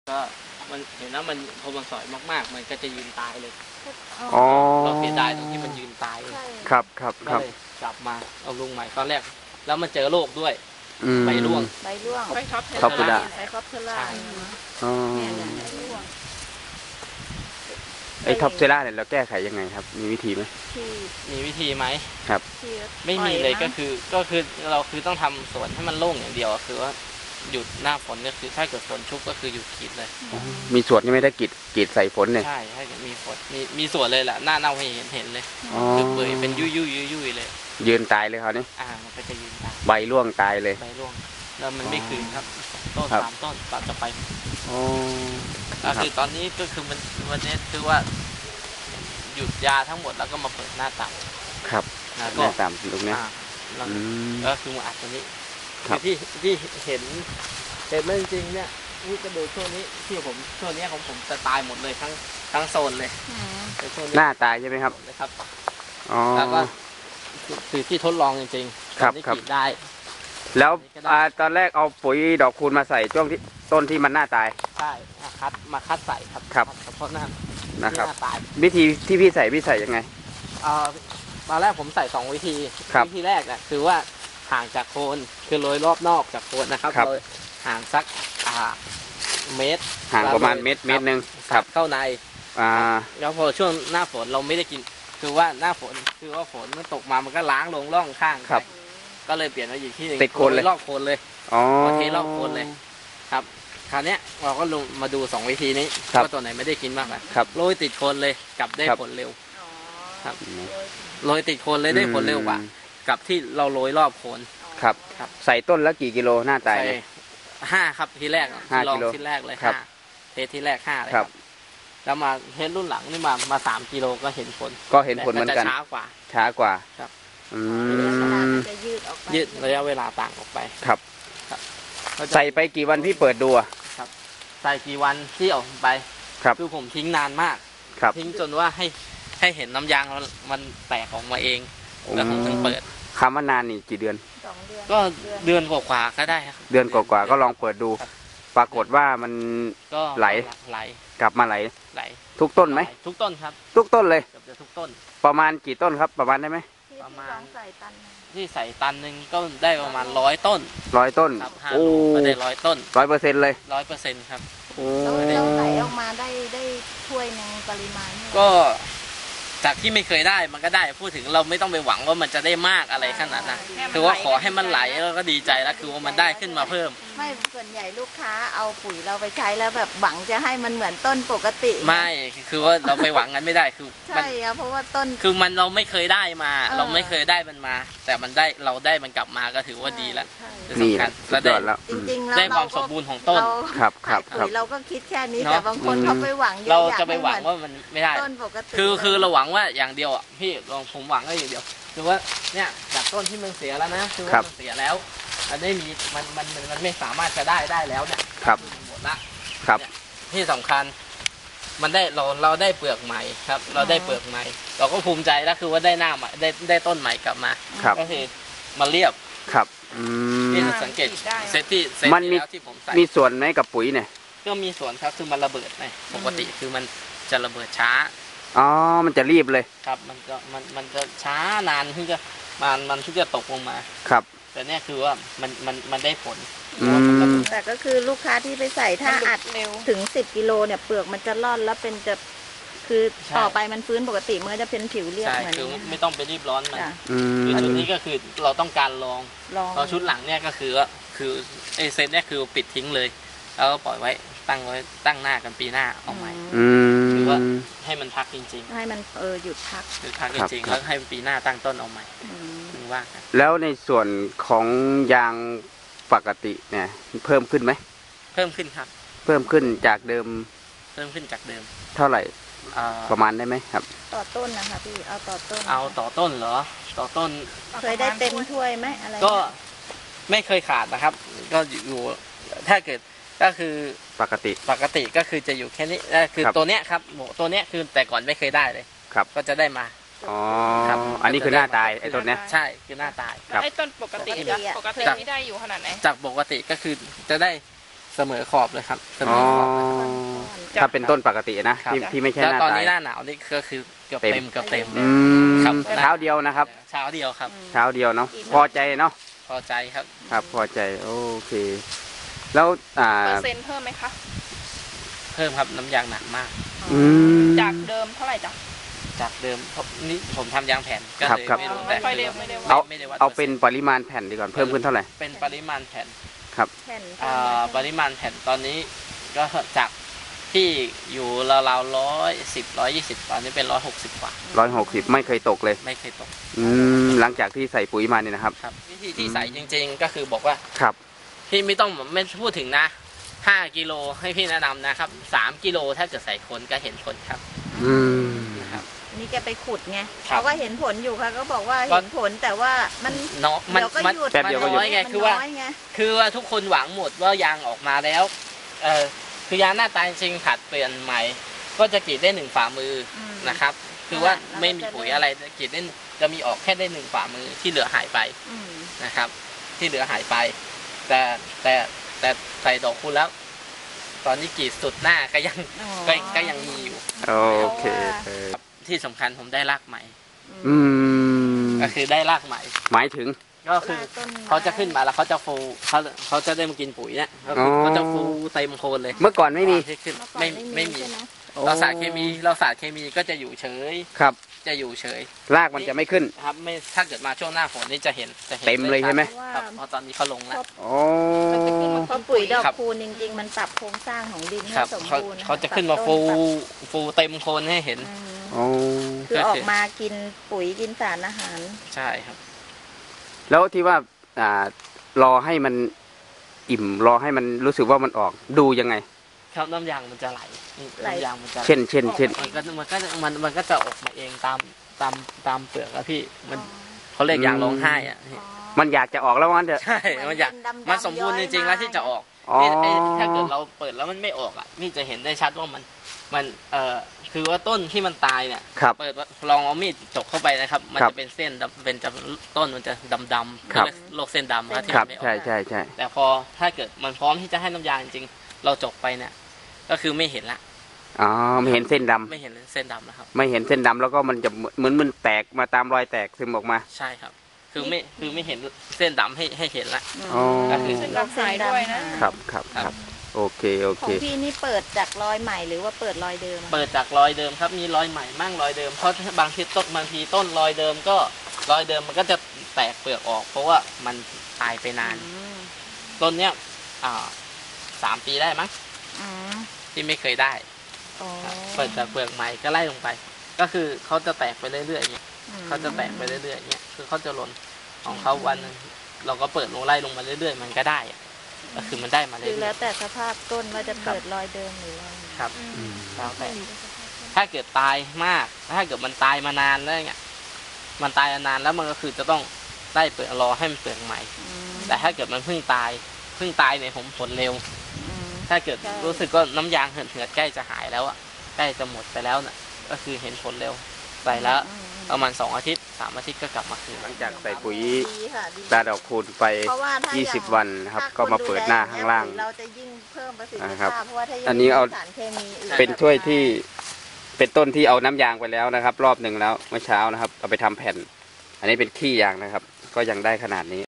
ก็มันเห็นแล้วมันพอมันสอยมากๆมันก็จะยืนตายเลยอ๋อเราเสียดายตรงที่มันยืนตายครับครับก็เลยกลับมาเอาลุงใหม่ตอนแรกแล้วมันเจอโรคด้วยใบร่วงใบท็อปเทล่าใบท็อปเทล่าไอ้ท็อปเซล่าเนี่ยเราแก้ไขยังไงครับมีวิธีไหมมีวิธีไหมครับไม่มีเลยก็คือเราคือต้องทำสวนให้มันโล่งอย่างเดียวคือว่าหยุดหน้าฝนก็คือถ้าเกิดฝนชุกก็คือหยุดกรีดเลยมีสวนยังไม่ได้กรีดใส่ฝนเนี่ยใช่ให้มีฝนมีสวนเลยแหละหน้าเน่าให้เห็นเลยคือเปื่อยเป็นยุ่ยเลยยืนตายเลยเขานี่มันก็จะยืนตายใบร่วงตายเลยใบร่วงแล้วมันไม่คืนครับต้น3 ต้นตัดจะไปก็คือตอนนี้ก็คือวันนี้คือว่าหยุดยาทั้งหมดแล้วก็มาเปิดหน้าต่างครับหน้าต่างตรงนี้ก็คือมาอัดตัวนี้ที่เห็นมันจริงเนี่ยนี่ก็ดูช่วงนี้ที่ช่วงนี้ของผมจะตายหมดเลยทั้งโซนเลยหน้าตายใช่ไหมครับครับแล้วก็คือที่ทดลองจริงๆครับได้แล้วตอนแรกเอาปุ๋ยดอกคูณมาใส่ช่วงที่ต้นที่มันหน้าตายใช่มาคัดใส่ครับเพราะหน้านะครับวิธีที่พี่ใส่ยังไงตอนแรกผมใส่2 วิธีวิธีแรกนะคือว่าห่างจากโคนคือโรยรอบนอกจากโคนนะครับโรยห่างสักเมตรห่างประมาณเมตรนึงครับเข้าในแล้วพอช่วงหน้าฝนเราไม่ได้กินคือว่าหน้าฝนคือว่าฝนมันตกมามันก็ล้างลงร่องข้างครับก็เลยเปลี่ยนมาอยู่ที่ติดโคนเลยรอบโคนเลยเทรอบโคนเลยครับคราวนี้เราก็ลงมาดู2 วิธีนี้ว่าตัวไหนไม่ได้กินมากครับโรยติดโคนเลยกลับได้ผลเร็วครับโรยติดโคนเลยได้ผลเร็วกว่ากับที่เราโรยรอบโคนครับใส่ต้นละกี่กิโลหน้าตาย 5ครับทีแรกลองทีแรกเลย5เทสที่แรก5เลยครับแล้วมาเทสรุ่นหลังนี่มา3 กิโลก็เห็นผลเหมือนกันช้ากว่าครับจะยืดระยะเวลาต่างออกไปครับใส่ไปกี่วันพี่เปิดดูครับใส่กี่วันที่ออกไปคือผมทิ้งนานมากทิ้งจนว่าให้เห็นน้ำยางมันแตกออกมาเองแล้วผมถึงเปิดคำว่านานนี่กี่เดือนก็เดือนกว่าก็ได้ครับเดือนกว่าก็ลองเปิดดูปรากฏว่ามันไหลกลับมาไหลทุกต้นไหมทุกต้นครับทุกต้นเลยเกือบจะทุกต้นประมาณกี่ต้นครับประมาณได้ไหมประมาณที่ใส่ตันหนึ่งก็ได้ประมาณ100 ต้นต้นโอ้ได้100 ต้น 100%เลย 100%ครับเราไหลออกมาได้ถ้วยนึงปริมาณก็จากที่ไม่เคยได้มันก็ได้พูดถึงเราไม่ต้องไปหวังว่ามันจะได้มากอะไรขนาดนั้นคือว่าขอให้มันไหลแล้วก็ดีใจแล้วคือว่ามันได้ขึ้นมาเพิ่มไม่ส่วนใหญ่ลูกค้าเอาปุ๋ยเราไปใช้แล้วแบบหวังจะให้มันเหมือนต้นปกติไม่คือว่าเราไปหวังงั้นไม่ได้คือใช่ครับเพราะว่าต้นคือเราไม่เคยได้มาเราไม่เคยได้มันมาแต่มันได้เราได้มันกลับมาก็ถือว่าดีแล้วนี่แล้วจริงๆแล้วได้ความสมบูรณ์ของต้นครับปุ๋ยเราก็คิดแค่นี้แต่บางคนเขาไปหวังเราจะไปหวังว่ามันไม่ได้ต้นปกติคือเราหวังว่าอย่างเดียวพี่ลองผมหวังก็อย่างเดียวคือว่าเนี่ยจากต้นที่มันเสียแล้วนะคือว่ามันเสียแล้วมันได้มีมันไม่สามารถจะได้แล้วเนี่ยหมดละที่สำคัญมันได้เราได้เปลือกใหม่ครับเราได้เปลือกใหม่เราก็ภูมิใจแล้วคือว่าได้หน้าใหม่ได้ต้นใหม่กลับมาก็คือมาเรียบครับที่สังเกตเซตที่ที่ผมใส่มีส่วนไหมกับปุ๋ยเนี่ยก็มีส่วนครับคือมันระเบิดไงปกติคือมันจะระเบิดช้ามันจะรีบเลยครับมันจะช้านานถึงจะมันถึงจะตกลงมาครับแต่เนี่ยคือว่ามันได้ผลแต่ก็คือลูกค้าที่ไปใส่ถ้าอัดถึง10 กิโลเนี่ยเปลือกมันจะร่อนแล้วเป็นจะคือต่อไปมันฟื้นปกติมันจะเป็นผิวเรียบเหมือนคือไม่ต้องไปรีบร้อนมันคือชุดนี้ก็คือเราต้องการลองชุดหลังเนี่ยก็คือว่าคือไอเซตเนี่ยคือปิดทิ้งเลยแล้วก็ปล่อยไว้ตั้งหน้ากันปีหน้าเอาใหม่คือว่าให้มันพักจริงๆให้มันหยุดพักจริงๆแล้วให้ปีหน้าตั้งต้นเอาใหม่ถึงว่ากันแล้วในส่วนของยางปกติเนี่ยเพิ่มขึ้นไหมเพิ่มขึ้นครับเพิ่มขึ้นจากเดิมเท่าไหร่ประมาณได้ไหมครับต่อต้นนะคะพี่เอาต่อต้นเหรอต่อต้นเคยได้เต็มถ้วยไหมอะไรก็ไม่เคยขาดนะครับก็อยู่ถ้าเกิดก็คือปกติก็คือจะอยู่แค่นี้คือตัวเนี้ยครับตัวเนี้ยคือแต่ก่อนไม่เคยได้เลยครับก็จะได้มาครับอันนี้คือหน้าตายไอ้ต้นเนี้ยใช่คือหน้าตายไอ้ต้นปกตินี่ได้อยู่ขนาดไหนจากปกติก็คือจะได้เสมอขอบเลยครับเสมอขอบถ้าเป็นต้นปกตินะที่ไม่ใช่แล้วหน้าตอนตายนี้หน้าหนาวนี่ก็คือเกือบเต็มอืมครับเช้าเดียวนะครับเช้าเดียวครับเช้าเดียวเนาะพอใจเนาะพอใจครับครับพอใจโอเค แล้วเปอร์เซ็นต์เพิ่มไหมคะเพิ่มครับน้ำยางหนักมากอืมจากเดิมเท่าไหร่จ๊ะจากเดิมนี่ผมทำยางแผ่นก็ครับเลยครับไม่รู้ไม่แต่ค่อยเร็วไม่ได้เอาไม่ได้วัดเอาเป็นปริมาณแผ่นดีก่อนเพิ่มขึ้นเท่าไหร่เป็นปริมาณแผ่นแผ่นปริมาณแผ่นตอนนี้ก็จากที่อยู่ราวๆ120 ตอนนี้เป็น160 กว่า 160ไม่เคยตกเลยไม่เคยตกหลังจากที่ใส่ปุ๋ยมาเนี่ยนะครับครับวิธีที่ใส่จริงๆก็คือบอกว่าครับพี่ไม่ต้องไม่พูดถึงนะ5 กิโลให้พี่แนะนำนะครับ3 กิโลถ้าเกิดใส่คนก็เห็นผลครับอืมนะครับนี่แกไปขุดไงครับเขาก็เห็นผลอยู่ค่ะก็บอกว่าเห็นผลแต่ว่ามันเนาะมันเดี๋ยวก็มันหยุดแป๊บเดียวก็หยุดน้อยไงคือว่ามันน้อยไงคือว่าทุกคนหวังหมดว่ายางออกมาแล้วคือยางหน้าตาจริงๆผัดเปลี่ยนใหม่ ก็จะกรีดได้1 ฝ่ามืออมนะครับ คือว่าแล้วก็ไม่มีปุ๋ยอะไรกรีดได้จะมีออกแค่ได้1 ฝ่ามือที่เหลือหายไปอืมนะครับ ที่เหลือหายไป แต่ใส่ดอกคูณแล้ว ตอนนี้กรีดสุดหน้าก็ยังอ๋อก็ยังมีอยู่โอเคที่สำคัญผมได้รากใหม่อืมก็คือได้รากใหม่หมายถึงก็คือเขาจะขึ้นมาแล้วเขาจะฟูเขาจะได้มากินปุ๋ยเนี่ยก็คือเขาจะฟูเต็มโคนเลยเมื่อก่อนไม่มีที่ขึ้นเมื่อก่อนไม่มีใช่ไหมเราสารเคมีก็จะอยู่เฉยครับจะอยู่เฉยรากมันจะไม่ขึ้นครับไม่ถ้าเกิดมาช่วงหน้าฝนนี่จะเห็นเต็มเลยใช่ไหมครับเพราะตอนนี้เขาลงแล้วโอ้เพราะปุ๋ยดอกครับคูณจริงๆ มันปรับโครงสร้างของดินให้ครับสมเขาบูรณ์เขาจะขึ้นมาปรับต้ฟูเต็มโคนให้เห็นอืมโอ้คือออกมากินปุ๋ยกินสารอาหารใช่ครับแล้วที่ว่ารอให้มันอิ่มรอให้มันรู้สึกว่ามันออกดูยังไงครับน้ำยางมันจะไหลน้ำยางมันจะเช่นมันก็จะออกมาเองตามเปลือกอะพี่มันเขาเรียกยางร้องไห้อะพี่มันอยากจะออกแล้วมันเถอะใช่มันอยากมันสมบูรณ์จริงๆแล้วที่จะออกอ๋อถ้าเกิดเราเปิดแล้วมันไม่ออกอ่ะนี่จะเห็นได้ชัดว่ามันคือว่าต้นที่มันตายเนี่ยครับเปิดลองเอามีดจกเข้าไปนะครับ มันครับจะเป็นเส้นดำเป็นจะต้นมันจะดำๆครับเรียกโรคเส้นดำครับที่ครัมับนไม่ออกใช่ใช่ใช่แต่พอถ้าเกิดมันพร้อมที่จะให้น้ำยาจริงๆเราจกไปเนี่ยก็คือไม่เห็นละอ๋อไม่เห็นเส้นดำไม่เห็นเส้นดำนะครับไม่เห็นเส้นดำแล้วก็มันจะเหมือนมันแตกมาตามรอยแตกซึมออกมาใช่ครับ คือไม่เห็นเส้นดำให้เห็นละอ๋อก็คือเส้นดำหายด้วยนะครับครับครับโอเคโอขอเคงพี่นี่เปิดจากรอยใหม่หรือว่าเปิดรอยเดิมอะเปิดจากรอยเดิมครับมีรอยใหม่มั่งรอยเดิมเพราะบางทีต้นรอยเดิมก็รอยเดิมมันก็จะแตกเปลือกออก เพราะว่ามันตายไปนานอืมต้นเนี้ย3 ปีได้มั้งอืมที่ไม่เคยได้อ๋อเปิดจากเปลือกใหม่ก็ไล่ลงไป ก็คือเขาจะแตกไปเรื่อยๆอย่างเงี้ยเขาจะแตกไปเรื่อยๆอย่างเงี้ยคือเขาจะหล่นของเขาวันหนึงเราก็เปิดลงไล่ลงมาเรื่อยๆมันก็ได้อะก็คือมันได้มาเรื่คือแล้อวย แต่สภาพต้นว่าจะเปิดรอยเดิมหรือรอยใหม่ๆครับแล้วแต่ถ้าเกิดตายมากถ้าเกิดมันตายมานานแล้วเงี้ยมันตายมานานแล้วมันก็คือจะต้องได้เปลือกรอให้มันเปลือกใหม่อืมแต่ถ้าเกิดมันเพิ่งตายเนี่ยผมผลเร็วอืมถ้าเกิดใช่รู้สึกว่าน้ำยางเหือดๆใกล้จะหายแล้วอ่ะใกล้จะหมดไปแล้วน่ะก็คือเห็นผลเร็วใส่แล้วอืมประมาณ2 อาทิตย์3 อาทิตย์ก็กลับมาคืนหลังจากใส่ปุ๋ยดีค่ะดีตาดอกคูณไปเพราะว่าถ้าอย่าง 20 วันนะครับถ้ก็มาเปิดหน้าข้างล่างเราจะยิ่งเพิ่มประสิทธินะครับภาพเพราะว่าถ้ายังอันนี้เอามีสารเคมีอื่นเป็นถ้วยที่เป็นต้นที่เอาน้ำยางไปแล้วนะครับ รอบหนึ่งแล้วเมื่อเช้านะครับ เอาไปทำแผ่น อันนี้เป็นขี้ยางนะครับ ก็ยังได้ขนาดนี้